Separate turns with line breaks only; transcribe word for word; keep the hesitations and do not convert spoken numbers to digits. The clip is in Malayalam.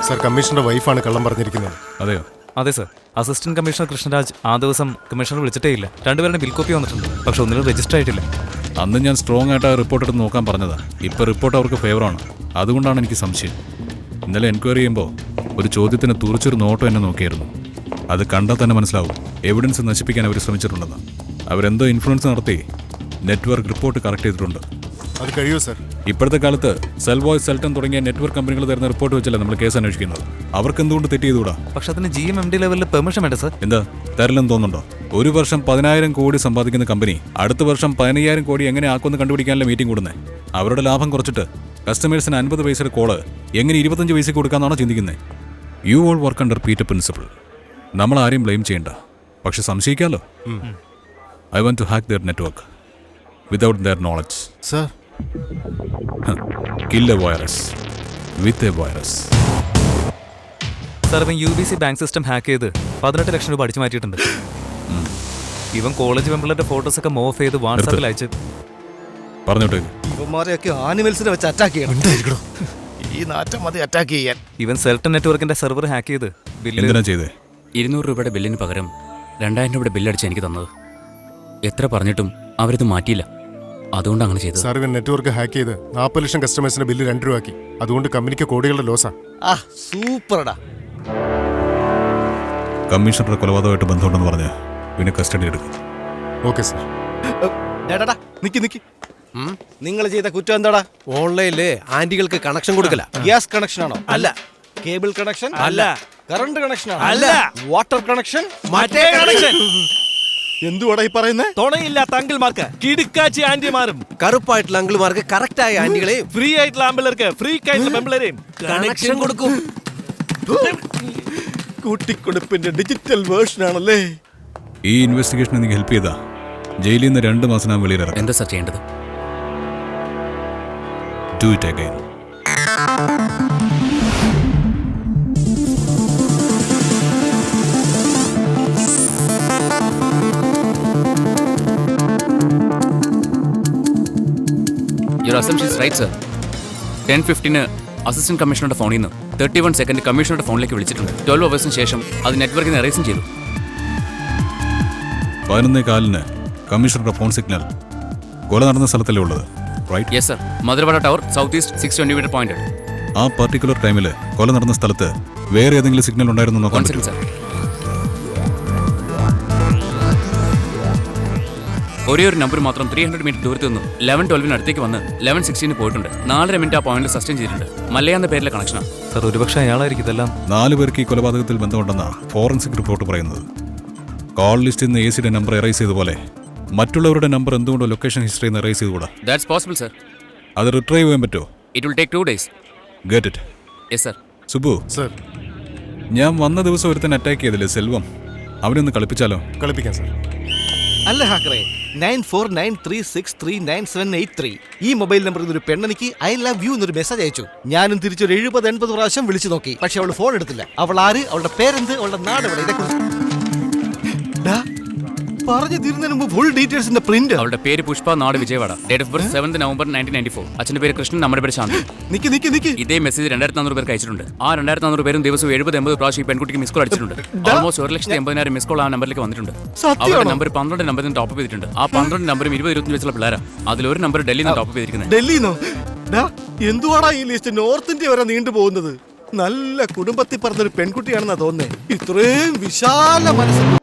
സർ, കമ്മീഷണറുടെ വൈഫാണ് കള്ളം പറഞ്ഞിരിക്കുന്നത്.
അതെയോ?
അതെ സർ. അസിസ്റ്റന്റ് കമ്മീഷണർ കൃഷ്ണരാജ് ആ ദിവസം കമ്മീഷണർ വിളിച്ചിട്ടേ ഇല്ല. രണ്ടുപേരുടെ ബിൽ കോപ്പി വന്നിട്ടുണ്ട്, പക്ഷെ ഒന്നിനും രജിസ്റ്റർ ആയിട്ടില്ല.
അന്ന് ഞാൻ സ്ട്രോങ് ആയിട്ട് ആ റിപ്പോർട്ട് എടുത്ത് നോക്കാൻ പറഞ്ഞതാ. ഇപ്പൊ റിപ്പോർട്ട് അവർക്ക് ഫേവറാണ്, അതുകൊണ്ടാണ് എനിക്ക് സംശയം. ഇന്നലെ എൻക്വയറി ചെയ്യുമ്പോൾ ഒരു ചോദ്യത്തിന് തുറച്ചൊരു നോട്ടം എന്നെ നോക്കിയായിരുന്നു. അത് കണ്ടാൽ തന്നെ മനസ്സിലാവും എവിഡൻസ് നശിപ്പിക്കാൻ അവർ ശ്രമിച്ചിട്ടുണ്ടെന്ന്. അവരെന്തോ ഇൻഫ്ലുവൻസ് നടത്തി നെറ്റ്വർക്ക് റിപ്പോർട്ട് കറക്റ്റ് ചെയ്തിട്ടുണ്ട്.
അത് കഴിയുമോ സർ?
ഇപ്പോഴത്തെ കാലത്ത് സെൽവോയ്സ്, സെൽട്ടൺ തുടങ്ങിയ നെറ്റ്വർക്ക് കമ്പനികൾ തരുന്ന റിപ്പോർട്ട് വെച്ചല്ല നമ്മൾ കേസ് അന്വേഷിക്കുന്നത്. അവർക്ക് എന്തുകൊണ്ട് തെറ്റ് ചെയ്തുകൂടാ?
പക്ഷെ അതിന് ജി എം എം ഡി ലെവലിൽ പെർമിഷൻ വേണ്ട സർ.
എന്താ തരില്ലെന്ന് തോന്നുന്നുണ്ടോ? ഒരു വർഷം പതിനായിരം കോടി സമ്പാദിക്കുന്ന കമ്പനി അടുത്ത വർഷം പതിനയ്യായിരം കോടി എങ്ങനെ ആക്കുമെന്ന് കണ്ടുപിടിക്കാനുള്ള മീറ്റിംഗ് കൂടുന്നത്. അവരുടെ ലാഭം കുറച്ചിട്ട് കസ്റ്റമേഴ്സിന് അൻപത് പൈസയുടെ കോള് എങ്ങനെ ഇരുപത്തഞ്ച് പൈസ കൊടുക്കാന്നാണോ ചിന്തിക്കുന്നത്? You all work under Peter principle. നമ്മൾ ആരെയും ബ്ലെയിം ചെയ്യണ്ട, പക്ഷെ സംശയിക്കാമല്ലോ. I want to hack their network without their knowledge.
Sir,
kill a virus with a virus.
Sir, ഇവൻ U B C bank system hack ചെയ്ത് പതിനെട്ട് ലക്ഷം രൂപ അടിച്ചു മാറ്റിയിട്ടുണ്ട്. ഇവൻ കോളേജ് മെമ്പറിന്റെ ഫോട്ടോസ് ഒക്കെ മോഫ് ചെയ്ത് വാട്സാപ്പിൽ അയച്ച്
പറഞ്ഞോട്ടെ.
ഇവന്മാരെയൊക്കെ ആനിമൽസിനെ വെച്ച് അറ്റാക്ക് ചെയ്യണം. ഈ നാറ്റം മതി അറ്റാക്ക് ചെയ്യാൻ.
ഇവൻ സെൽട്ടൺ നെറ്റ്വർക്കിന്റെ സെർവർ ഹാക്ക് ചെയ്ത്
എന്തിനാ ചെയ്തേ?
ഇരുന്നൂറ് രൂപയുടെ ബില്ലിന് പകരം രണ്ടായിരം രൂപയുടെ ബില്ലടിച്ച് എനിക്ക് തന്നത്. എത്ര പറഞ്ഞിട്ടും അവരിത് മാറ്റിയില്ല, അതുകൊണ്ട് അങ്ങനെ ചെയ്തത്.
സാർ, ഇവൻ നെറ്റ്വർക്ക് ഹാക്ക് ചെയ്ത് നാൽപ്പത് ലക്ഷം കസ്റ്റമേഴ്സിന്റെ ബില്ല് രണ്ട് രൂപയാക്കി. അതുകൊണ്ട് കമ്പനിക്ക് കോടികളുടെ ലോസാ.
ആ സൂപ്പർടാ.
കമ്മീഷണറുടെ കൊലപാതകമായിട്ട് ബന്ധമുണ്ടെന്ന് പറഞ്ഞ് പിന്നെ കസ്റ്റഡി എടുക്കും.
Okay sir.
ഡാടാ നിക്ക് നിക്ക്. നിങ്ങൾ ചെയ്ത കുറ്റം എന്താടാ?
ഓൺലൈനില് ആന്റികൾക്ക് കണക്ഷൻ കൊടുക്കല.
ഗ്യാസ് കണക്ഷൻ ആണോ? അല്ല. Cable connection?
അല്ല.
കറണ്ട് കണക്ഷൻ ആണോ?
അല്ല.
Water connection?
മറ്റേ കണക്ഷൻ.
എന്തുവാടാ ഈ പറയുന്നത്?
തുണയില്ലാത്ത അങ്കിൾമാർക്ക് കിടുക്കാച്ചി ആന്റിമാരും,
കറുപ്പായിട്ടുള്ള അങ്കിൾമാർക്ക് കറക്റ്റ് ആയ ആന്റികളെയും
ഫ്രീ ആയിട്ടുള്ള ആമ്പിളർക്ക് ഫ്രീ ആയിട്ടുള്ള പെമ്പിളരെയും
കണക്ഷൻ കൊടുക്കും.
കൂട്ടിക്കൊടുപ്പിന്റെ ഡിജിറ്റൽ വേർഷൻ ആണല്ലേ?
ഈ ഇൻവെസ്റ്റിഗേഷൻ എനിക്ക് ഹെൽപ്പ് ചെയ്താ ജയിലിൽ നിന്ന് രണ്ട് മാസം ഞാൻ വെളിയിലിറങ്ങും.
എന്താ സാർ ചെയ്യേണ്ടത്?
Do it again.
Your assumption is right sir. Ten fifteen assistant കമ്മീഷണറുടെ ഫോണിൽ നിന്ന് തേർട്ടി വൺ സെക്കൻഡ് കമ്മീഷണറുടെ ഫോണിലേക്ക് വിളിച്ചിട്ടുണ്ട്. ട്വൽവ് അവേഴ്സിന് ശേഷം അത് നെറ്റ്വർക്കിന് എറേസും ചെയ്തു.
പതിനൊന്നേ കാലിന് കമ്മീഷണറുടെ ഫോൺ സിഗ്നൽ കൊല നടന്ന സ്ഥലത്തല്ലേ ഉള്ളത്, right?
Yes sir. Madhurawada tower south east six twenty meter point.
ആ പർട്ടിക്കുലർ ടൈമിൽ കൊല നടന്ന സ്ഥലത്ത് വേറെ ഏതെങ്കിലും സിഗ്നൽ ഉണ്ടായിരുന്നു നോക്കാൻ പറ്റും?
സർ, ഒരേ ഒരു നമ്പർ മാത്രം ത്രീ ഹൺഡ്രഡ് മീറ്റർ ദൂരത്ത് നിന്നും ലെവൻ ട്വൽവിന് അടുത്തേക്ക് വന്ന് ലെവൻ സിക്സ്റ്റീന് പോയിട്ടുണ്ട്. നാലര മിനിറ്റ് ആ പോയിന്റിൽ സസ്റ്റെയിൻ ചെയ്തിട്ടുണ്ട്. മല്ലയ എന്ന പേരിലെ കണക്ഷനാണ്
സർ. ഒരുപക്ഷെ അയാളായിരിക്കും ഇതെല്ലാം.
നാല് പേർക്ക് ഈ കൊലപാതകത്തിൽ ബന്ധമുണ്ടെന്നാണ് ഫോറൻസിക് റിപ്പോർട്ട് പറയുന്നത്. കോൾ ലിസ്റ്റിൽ നിന്ന് എ സിയുടെ നമ്പർ എറൈസ് ചെയ്തപോലെ മറ്റുള്ളവരുടെ നമ്പർ എന്തുകൊണ്ടോ ലൊക്കേഷൻ ഹിസ്റ്ററിയിൽ നിന്ന് എറൈസ് ചെയ്തുകൂടാ?
That's possible sir.
അത് റിട്രൈവ് ചെയ്യാൻ പറ്റുമോ?
It will take two days.
Get it.
Yes sir.
Subu
sir,
ഞാൻ വന്ന ദിവസം ഒരുത്തൻ അറ്റാക്ക് ചെയ്തില്ലേ സെൽവം, അവനൊന്ന് കളിപ്പിച്ചാലോ?
കളിപ്പിക്കാം സർ.
അല്ല ഹാക്കറേ, nine four nine three six three nine seven eight three ഈ മൊബൈൽ നമ്പറിൽ നിന്ന് ഒരു പെണ്ണെനിക്ക് ഐ ലവ് യു എന്നൊരു മെസ്സേജ് അയച്ചു. ഞാനും തിരിച്ചൊരു എഴുപത് എൺപത് പ്രാവശ്യം വിളിച്ചു നോക്കി, പക്ഷെ അവൾ ഫോൺ എടുത്തില്ല. അവൾ ആര്, അവളുടെ പേരെന്ത്, അവളുടെ നാട് എവിടെ, ഇതേക്കുറിച്ച് പറഞ്ഞു തീരുന്നതിന് മുമ്പ് ഫുൾ ഡീറ്റെയിൽസിന്റെ പ്രിന്റ്.
അവളുടെ പേര് പുഷ്പ, നാട് Vijayawada, date of birth seventh November nineteen ninety four. അച്ഛന്റെ പേര് കൃഷ്ണൻ, നമ്മുടെ പേര് ശാന്തി.
നിക്ക് നിക്ക് നിക്ക്.
ഇതേ മെസ്സേജ് രണ്ടായിരത്തി നാനൂറ് പേർക്ക് അയച്ചിട്ടുണ്ട്. ആ രണ്ടായിരത്തി നാനൂറ് പേരും ദിവസവും എഴുപത് എൺപത് പ്രാവശ്യം ഈ പെൺകുട്ടിക്ക് മിസ് കോൾ അടിച്ചിട്ടുണ്ട്. ഓൾമോസ്റ്റ് ഒരു ലക്ഷത്തി എൺപതിനായിരം മിസ് കോൾ ആ നമ്പറിലേക്ക് വന്നിട്ടുണ്ട്. അവരുടെ നമ്പർ പന്ത്രണ്ട് നമ്പറിൽ ടോപ്പ് ചെയ്തിട്ടുണ്ട്. ആ പന്ത്രണ്ട് നമ്പറും ഇരുപത് ഇരുപത്തി വെച്ചുള്ള പിള്ളേരാ. അതിലൊരു നമ്പർ ഡൽഹിയിൽ നിന്ന് ടോപ്പ് ചെയ്തിരിക്കുന്നത്.
ഡൽഹിന്നോ? എന്തുവാടാ ഈ ലിസ്റ്റ് നോർത്ത് ഇന്ത്യ വരെ നീണ്ടു പോകുന്നത്? നല്ല കുടുംബത്തിൽ പറഞ്ഞൊരു പെൺകുട്ടിയാണെന്നാ തോന്നുന്നേ. ഇത്രയും വിശാല മനസ്സിൽ